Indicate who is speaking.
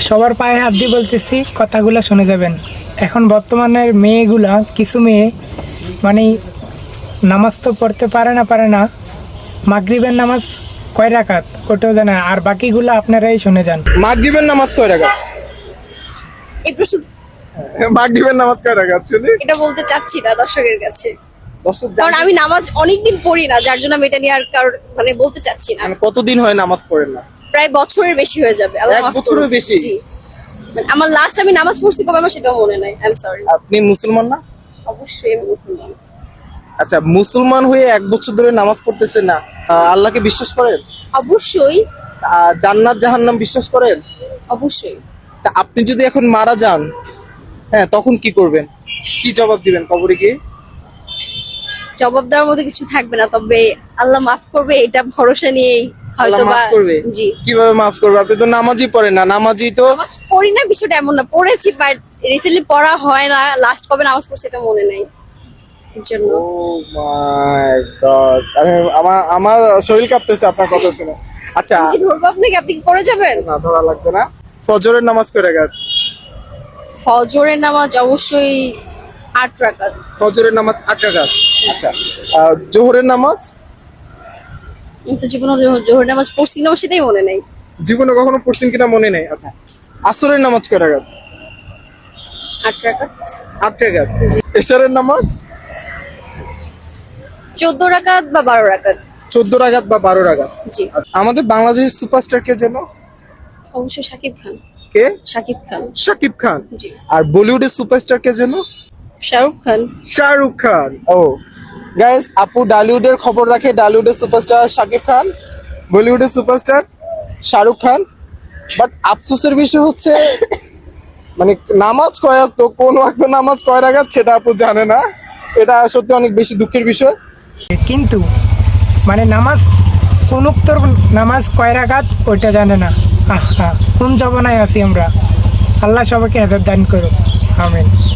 Speaker 1: সবার পায়ে হাত দিয়ে বলতেছি, কথাগুলো শুনে যাবেন। এখন বর্তমানের মেয়েগুলা, কিছু মেয়ে মানে নামাজ তো পড়তে পারে না, মাগরিবের নামাজ কয় রাকাত ওটাও জানে না, আর বাকিগুলো আপনারাই শুনে যান।
Speaker 2: মাগরিবের নামাজ কয় রাকাত?
Speaker 3: এই প্রশ্ন
Speaker 2: মাগরিবের নামাজ কয় রাকাত শুনি?
Speaker 3: এটা বলতে চাচ্ছি না দর্শকের কাছে,
Speaker 2: দর্শক
Speaker 3: কারণ আমি নামাজ অনেকদিন পড়ি না, যার জন্য আমি এটা নিয়ে আর কারোর মানে বলতে চাচ্ছি না।
Speaker 2: মানে কতদিন হয় নামাজ পড়েন না?
Speaker 3: প্রায় বছরের বেশি হয়ে যাবে। আল্লাহ
Speaker 2: এক
Speaker 3: মাফ করুন।
Speaker 2: বছরের বেশি?
Speaker 3: জি। মানে আমার লাস্ট আমি নামাজ পড়ছি কবে আমার সেটাও মনে নাই। I am sorry.
Speaker 2: আপনি মুসলমান না?
Speaker 3: অবশ্যই আমি মুসলমান।
Speaker 2: আচ্ছা, মুসলমান হয়ে এক বছর ধরে নামাজ পড়তেছেন না, আল্লাহকে বিশ্বাস করেন?
Speaker 3: অবশ্যই
Speaker 2: জান্নাত জাহান্নাম বিশ্বাস করেন?
Speaker 3: অবশ্যই।
Speaker 2: তা আপনি যদি এখন মারা যান, হ্যাঁ, তখন কি করবেন? কি জবাব দিবেন কবরে গিয়ে?
Speaker 3: জবাব দেওয়ার মধ্যে কিছু থাকবে না, তবে আল্লাহ মাফ করবে এটা ভরসা নিয়েই
Speaker 2: আল্লাহ
Speaker 3: হয়তো বা।
Speaker 2: মাফ করবে?
Speaker 3: জি।
Speaker 2: কিভাবে মাফ করবে? আপনি তো নামাজই পড়েন না। নামাজি তো
Speaker 3: নামাজ পড়ি না বিষয়টা এমন না, পড়েছি বাট রিসেন্টলি পড়া হয় না। লাস্ট কবে নামাজ পড়ছি এটা মনে নাই, এর জন্য।
Speaker 2: ও মাই গড, আমার শরীর কাঁপতেছে আপনার কথা শুনে। আচ্ছা,
Speaker 3: কি ধরবো আপনাকে? আপনি কি পড়ে যাবেন?
Speaker 2: না ধরা লাগবে না। ফজরের নামাজ কয় রাকাত?
Speaker 3: ফজরের নামাজ অবশ্যই 8 রাকাত।
Speaker 2: ফজরের নামাজ 8 রাকাত। আচ্ছা, জোহরের নামাজ?
Speaker 3: আমি তো জীবনে জোহর নামাজ পড়ছি না, আমার সেটাই মনে নেই।
Speaker 2: জীবনে কখনো পড়ছেন কিনা মনে নেই। আচ্ছা, আসরের নামাজ কয় রাকাত?
Speaker 3: 8 রাকাত।
Speaker 2: 8 রাকাত। এশারের নামাজ?
Speaker 3: 14 রাকাত বা 12 রাকাত।
Speaker 2: 14 রাকাত বা 12 রাকাত।
Speaker 3: জি।
Speaker 2: আমাদের বাংলাদেশের সুপারস্টার কে যেন?
Speaker 3: অবশ্যই শাকিব খান।
Speaker 2: কে?
Speaker 3: শাকিব খান।
Speaker 2: শাকিব খান।
Speaker 3: জি।
Speaker 2: আর বলিউডের সুপারস্টার কে যেন?
Speaker 3: শাহরুখ খান।
Speaker 2: শাহরুখ খান। ও গাইস, আপু ডালিউডের খবর রাখে। ডালিউডের সুপারস্টার শাকিব খান, বলিউডের সুপারস্টার শাহরুখ খান। বাট আফসোসের বিষয় হচ্ছে মানে নামাজ কয় ওয়াক্ত, কোন ওয়াক্ত নামাজ কয় রাকাত সেটা আপু জানে না। এটা সত্যি অনেক বেশি দুঃখের বিষয়।
Speaker 1: কিন্তু মানে নামাজ কোন উক্তর নামাজ কয় রাকাত ওইটা জানে না। আহা, কোন জবানায় আছি আমরা। আল্লাহ সবাইকে হেদায়েত দান করুক, আমিন।